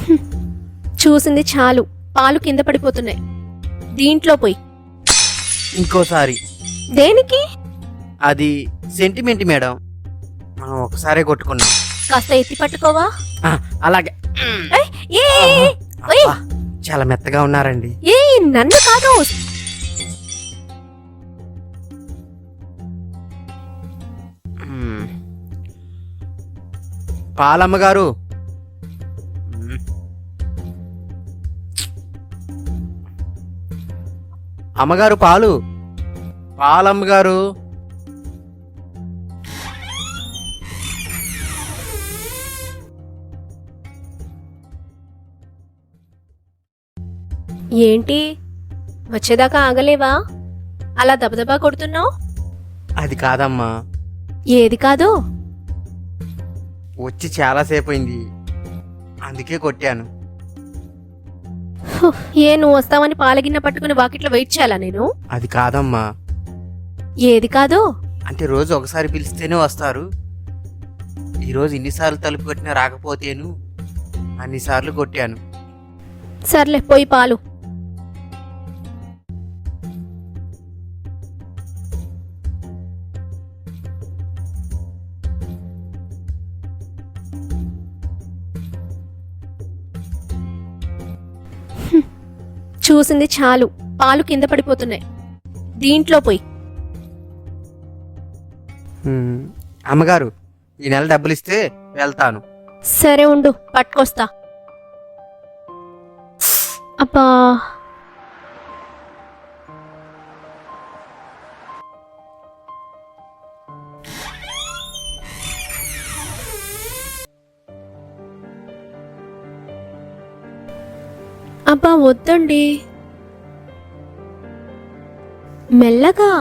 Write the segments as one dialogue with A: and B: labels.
A: చూసింది చాలు, పాలు కింద పడిపోతున్నాయి. దీంట్లో పోయి.
B: ఇంకోసారి.
A: దేనికి?
B: అది సెంటిమెంట్ మేడం, మనం ఒకసారే కొట్టుకున్నాం.
A: కాస్త ఎత్తి పట్టుకోవా?
B: అలాగే.
A: ఏయ్, ఏయ్, ఏయ్, ఏయ్.
B: అబ్బా, చాలా మెత్తగా ఉన్నారండి.
A: ఏయ్, నన్ను కాదు.
B: పాలమ్మగారు, అమ్మగారు పాలు. పాలమ్మగారు.
A: ఏంటి, వచ్చేదాకా ఆగలేవా? అలా దబదబా కొడుతున్నావు.
B: అది కాదమ్మా.
A: ఏది కాదు?
B: వచ్చి చాలాసేపు అయింది, అందుకే కొట్టాను.
A: ఏ, నువ్వు వస్తావని పాలగిన్న పట్టుకుని వాకిట్లో వెయిట్ చేయాలా నేను?
B: అది కాదమ్మా.
A: ఏది కాదు?
B: అంటే రోజు ఒకసారి పిలిస్తేనే వస్తారు. ఈరోజు ఇన్నిసార్లు తలుపు కొట్టినా రాకపోతేను అన్నిసార్లు కొట్టాను.
A: సర్లే, పోయి పాలు. చూసింది చాలు, పాలు కింద పడిపోతున్నాయి. దీంట్లో పోయి.
B: అమ్మగారు, ఈ నెల డబ్బులు ఇస్తే వెళ్తాను.
A: సరే ఉండు, పట్టుకొస్తా. అబ్బా, అబ్బా వద్దండి, మెల్లగా.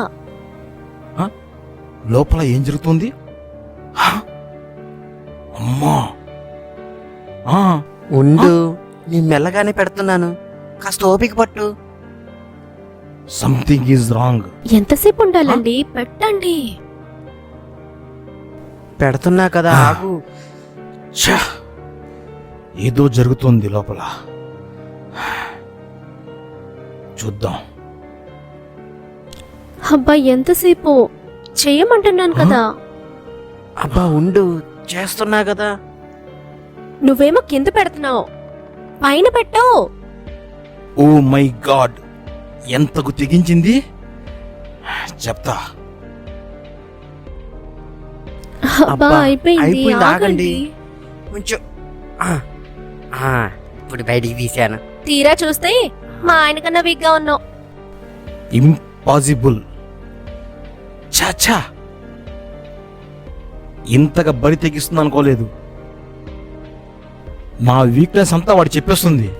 C: లోపల ఏం జరుగుతుంది? అమ్మా,
B: ఉండు, నీ మెల్లగానే పెడుతున్నాను, కాస్త ఓపిక పట్టు.
C: Something is wrong.
A: ఎంతసేపు ఉండాలండి? పెట్టండి.
B: పెడుతున్నా కదా, ఆగు.
C: ఏదో జరుగుతుంది లోపల, చూద్దాం.
A: అబ్బా, ఎంతసేపు చెయ్యమంటున్నాను కదా.
B: అబ్బా ఉండు, చేస్తున్నా కదా.
A: నువ్వేమో కింద పెడుతున్నావు, పైన పెట్టు.
C: ఓ మై గాడ్, ఎంతకు తెగించింది చెప్తా.
A: అబ్బా, అయిపోయింది, ఆగండి.
B: కొంచెం ఇప్పుడు బయటికి తీశాను.
A: తీరా చూస్తే మా ఆయన కన్నా వీక్గా ఉన్నావు.
C: ఇంపాసిబుల్. చాచా, ఇంతగా బరి తెగిస్తుంది అనుకోలేదు. నా వీక్నెస్ అంతా వాడు చెప్పేస్తుంది.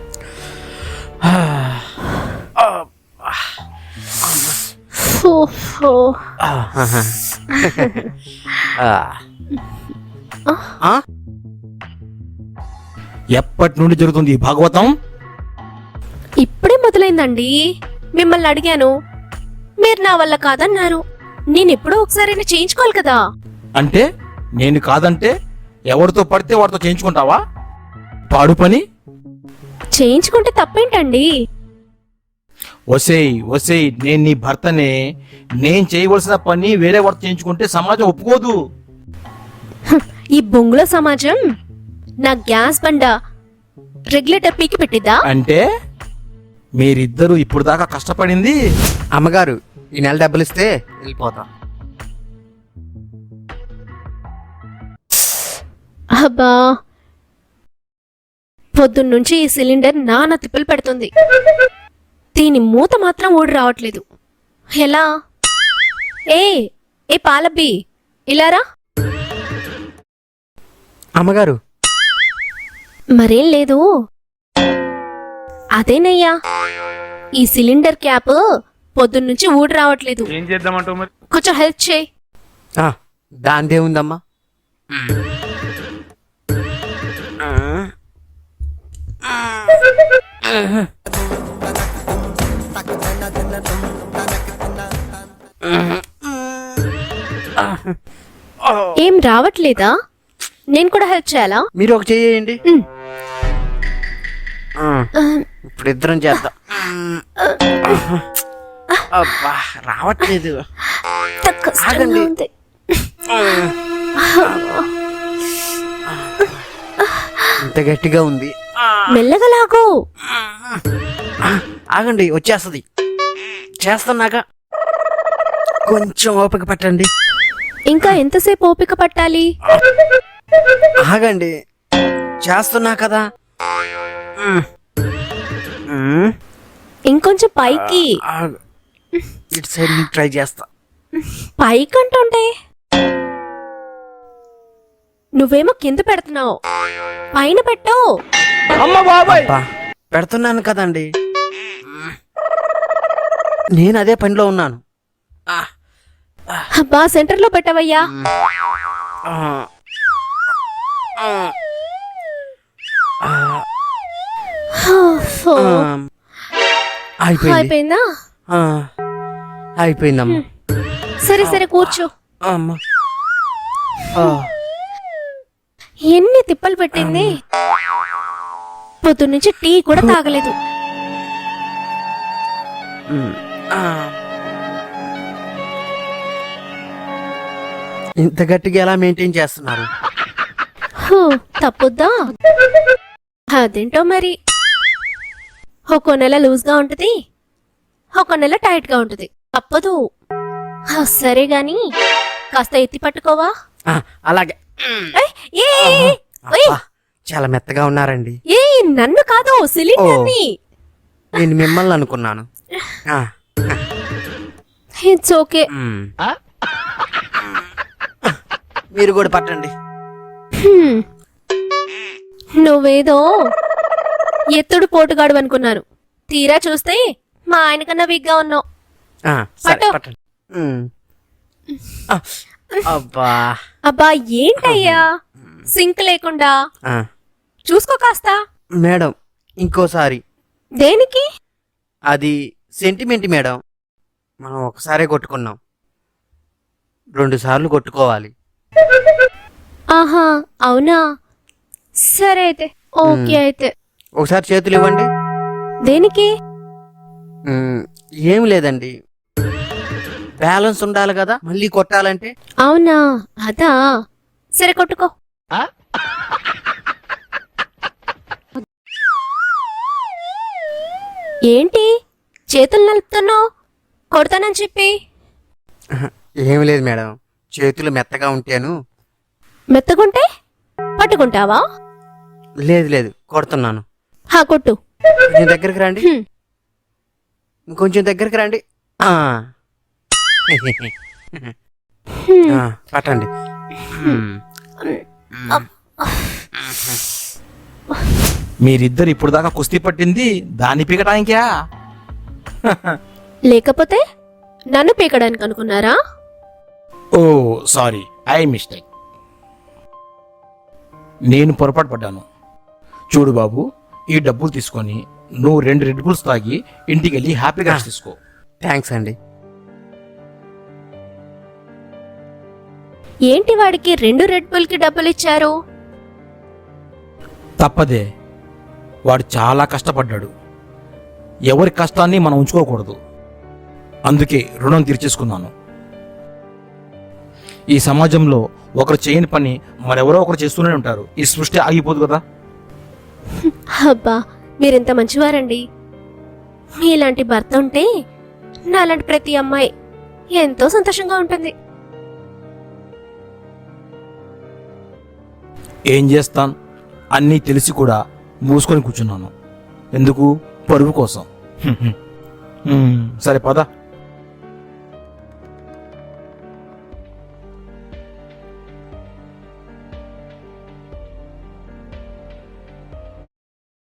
C: ఎప్పటి నుండి జరుగుతుంది ఈ భాగవతం?
A: ఇప్పుడే మొదలైందండి. మిమ్మల్ని అడిగాను, మీరు నా వల్ల కాదన్నారు. నేనెప్పుడో ఒకసారైనా చేయించుకోవాలి కదా.
C: అంటే నేను కాదంటే ఎవరితో పడితే వాడితో చేయించుకుంటావా? పాడు పని.
A: చేయించుకుంటే తప్పేంటండి?
C: ఒసేయ్ ఒసేయ్, నేను నీ భర్తనే. నేను చేయవలసిన పని వేరే వాడితో చేయించుకుంటే సమాజం ఒప్పుకోదు.
A: ఈ బొంగుల సమాజం నా గ్యాస్ బండ రెగ్యులేటర్ పీకి పెట్టిద్దా?
C: అంటే మీరిద్దరూ ఇప్పుడు దాకా కష్టపడింది.
B: అమ్మగారు, ఈ నెల డబ్బులు ఇస్తే వెళ్ళిపోతాం.
A: అబ్బా, పొద్దున్నుంచి ఈ సిలిండర్ నానా తిప్పలు పెడుతుంది. దీని మూత మాత్రం ఊడి రావట్లేదు. ఎలా? ఏ పాలబ్బి, ఇలారా.
B: అమ్మగారు,
A: మరేం లేదు. అదేనయ్యా, ఈ సిలిండర్ క్యాప్ పొద్దున్నుంచి ఊడి రావట్లేదు.
D: ఏం చేద్దామంటావు మరి?
A: కొంచెం హెల్ప్ చేయి.
B: దాందే ఉందమ్మా.
A: ఏం రావట్లేదా? నేను కూడా హెల్ప్ చేయాలా?
B: మీరు ఒక చేయండి. ఇప్పుడు ఇద్దరం చేద్దాం. అబ్బా రావట్లేదు.
A: కష్టంగా
B: ఆగండి.
A: ఉంది.
B: ఇంత గట్టిగా ఉంది.
A: మెల్లగా లాగు.
B: ఆగండి, వచ్చేస్తుంది. చేస్తున్నాక కొంచెం ఓపిక పట్టండి.
A: ఇంకా ఎంతసేపు ఓపిక పట్టాలి?
B: ఆగండి, చేస్తున్నా కదా.
A: ఇంకొంచెం పైకి.
B: ఆగు. ఇటు సైడ్ నుంచి ట్రై చేస్తా.
A: పైకి అంటుంటే నువ్వేమో కింద పెడుతున్నావు. పైన పెట్టు.
B: అబ్బా, పెడుతున్నాను కదండి. నేను అదే పనిలో ఉన్నాను.
A: అబ్బా సెంటర్ లో పెట్టవయ్యా. ఓ, అయిపోయిందా?
B: అయిపోయిందమ్మా.
A: సరే సరే కూర్చో.
B: అమ్మా.
A: ఎన్ని తిప్పలు పెట్టింది. పొద్దున్నుంచి టీ కూడా తాగలేదు.
B: ఇంత గట్టిగా ఎలా మెయింటైన్ చేస్తున్నారు?
A: హూ, తప్పుద్దా? అదేంటో మరి. ఒక నెల లూజ్ గా ఉంటది, ఒక నెల టైట్ గా ఉంటది. తప్పదు. సరే గాని కాస్త ఎత్తి పట్టుకోవా?
B: అలాగే.
A: ఏయ్, ఏయ్,
B: అబ్బా, చాలా మెత్తగా ఉన్నారండి.
A: ఏయ్, నన్ను కాదు సిలిండర్ ని.
B: నేను మిమ్మల్ని అనుకున్నాను.
A: It's okay.
B: మీరు కూడా పట్టండి.
A: నువ్వేదో ఎత్తుడు పోటుగాడు అనుకున్నాను. తీరా చూస్తే మా ఆయన కన్నా వీక్గా ఉన్నావు.
B: సరే
A: పట్టు.
B: పట్టండి. అబ్బా.
A: అబ్బా ఏంటయ్యా సింక్ లేకుండా. చూసుకో కాస్త.
B: మేడం, ఇంకోసారి.
A: దేనికి?
B: అది సెంటిమెంట్ మేడం. మనం ఒకసారే కొట్టుకున్నాం, 2 సార్లు కొట్టుకోవాలి.
A: ఆహా అవునా? సరే అయితే ఓకే. అయితే
B: ఒకసారి చేతులు ఇవ్వండి.
A: దేనికి?
B: ఏం లేదండి, బ్యాలెన్స్ ఉండాలి కదా మళ్ళీ కొట్టాలంటే.
A: అవునా, అదా. సరే కొట్టుకో. ఏంటి చేతులు నలుపుతున్నావు? కొడతానని చెప్పి.
B: ఏం లేదు మేడం, చేతులు మెత్తగా ఉంటేను.
A: మెత్తగుంటే పట్టుకుంటావా?
B: లేదు లేదు, కొడుతున్నాను.
A: కొట్టు.
B: కొంచెం దగ్గరికి రండి.
A: హ్మ్.
B: ఇంకొంచెం దగ్గరికి రండి. పట్టండి.
C: మీరిద్దరు ఇప్పుడు దాకా కుస్తీ పట్టింది దాన్ని పీకటానికా?
A: లేకపోతే నన్ను పీకడానికి అనుకున్నారా?
C: Oh sorry, I mistake. నేను పొరపాటు పడ్డాను. చూడు బాబు, ఈ డబ్బులు తీసుకొని నువ్వు 2 రెడ్ బుల్స్ తాగి ఇంటికి వెళ్ళి హ్యాపీగా తీసుకో.
B: థ్యాంక్స్ అండి.
A: ఏంటి వాడికి 2 రెడ్ బుల్ కి డబ్బులు ఇచ్చారు?
C: తప్పదే, వాడు చాలా కష్టపడ్డాడు. ఎవరి కష్టాన్ని మనం ఉంచుకోకూడదు. అందుకే రుణం తీర్చేసుకున్నాను. ఈ సమాజంలో ఒకరు చేయని పని మరెవరో ఒకరు చేస్తూనే ఉంటారు. ఈ సృష్టి ఆగిపోదు కదా.
A: అబ్బా మీరెంత మంచివారండి. మీలాంటి భర్త ఉంటే నాలాంటి ప్రతి అమ్మాయి ఎంతో సంతోషంగా ఉంటుంది.
C: ఏం చేస్తాను, అన్నీ తెలిసి కూడా మూసుకొని కూర్చున్నాను. ఎందుకు? పరువు కోసం. సరే పద.